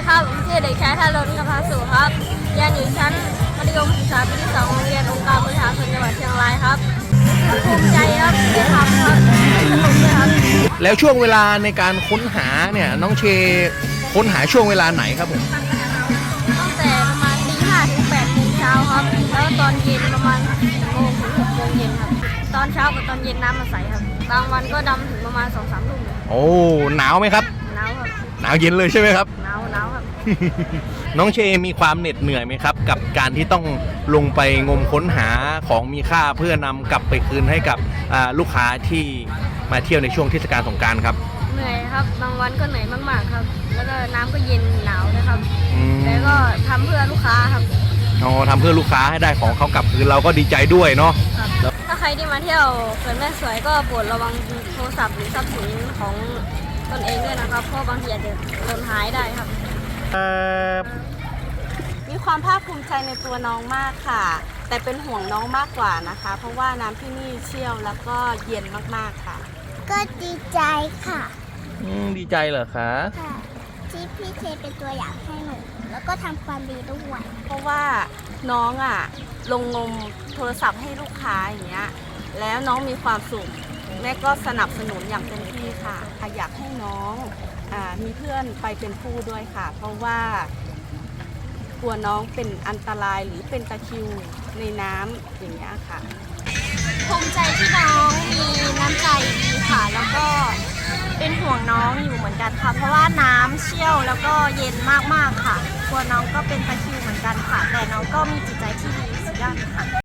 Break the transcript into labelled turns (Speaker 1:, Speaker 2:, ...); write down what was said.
Speaker 1: ครับชื่อเด็กชายธารณกภาสุครับเรียนอยู่ชั้นมัธยมศึกษาปีที่2โรงเรียนองค์การบริหารส่วนจังหวัดเชียงรายครับภูมิใจครับที่ทำครับสนุกด้วยครับ
Speaker 2: แล้วช่วงเวลาในการค้นหาเนี่ยน้องเชค้นหาช่วงเวลาไหนครับผม
Speaker 1: ตั้งแต่ประมาณตี 5 ถึง 8 โมงเช้าครับแล้วตอนเย็นประมาณ10 โมงถึง 6 โมงเย็นครับตอนเช้ากับตอนเย็นน้ำมาใสครับบางวันก็ดำถึงประมาณ 2-3 ทุ่ม
Speaker 2: โอ้หนาวไหมครับ
Speaker 1: หนาวครับ
Speaker 2: หนาวเย็นเลยใช่ไหมครับ
Speaker 1: หนาวครับ
Speaker 2: น้องเชมีความเหน็ดเหนื่อยไหมครับกับการที่ต้องลงไปงมค้นหาของมีค่าเพื่อนำกลับไปคืนให้กับลูกค้าที่มาเที่ยวในช่วงเทศกาลสงกรานต์ครับ
Speaker 1: เหนื่อยครับบางวันก็เหนื่อยมากๆครับแล้วก็น้ำก็เย็นหนาวนะครับแต่ก็ทำเพื่อลูกค้าครับ
Speaker 2: อ๋อทำเพื่อลูกค้าให้ได้ของเขากลับคืนเราก็ดีใจด้วยเนาะ
Speaker 1: ถ้าใครที่มาเที่ยวเขื่อนแม่สวยก็โปรดระวังโทรศัพท์หรือทรัพย์สินของตนเองด้วยนะครับเพราะบางทีอาจจะหล่นหายได้ครับ
Speaker 3: มีความภาคภูมิใจในตัวน้องมากค่ะแต่เป็นห่วงน้องมากกว่านะคะเพราะว่าน้ำที่นี่เชี่ยวแล้วก็เย็นมากๆค่ะ
Speaker 4: ก็ดีใจค่ะ
Speaker 2: ดีใจเหรอคะ
Speaker 4: ค่ะที่พี่เทเป็นตัวอย่างให้หนูแล้วก็ทำความดีด้วย
Speaker 3: เพราะว่าน้องลงงมโทรศัพท์ให้ลูกค้าอย่างเงี้ยแล้วน้องมีความสุขแม่ก็สนับสนุนอย่างเต็มที่ค่ะอยากให้น้องมีเพื่อนไปเป็นผู้ด้วยค่ะเพราะว่ากลัวน้องเป็นอันตรายหรือเป็นตะคริวในน้ำอย่างเงี้ยค่ะ
Speaker 1: ภูมิใจที่น้องมีน้ำใจดีค่ะแล้วก็เป็นห่วงน้องอยู่เหมือนกันค่ะเพราะว่าน้ำเชี่ยวแล้วก็เย็นมากๆค่ะกลัวน้องก็เป็นตะคริวเหมือนกันค่ะแต่น้องก็มีจิตใจที่ดีสุดยอดค่ะ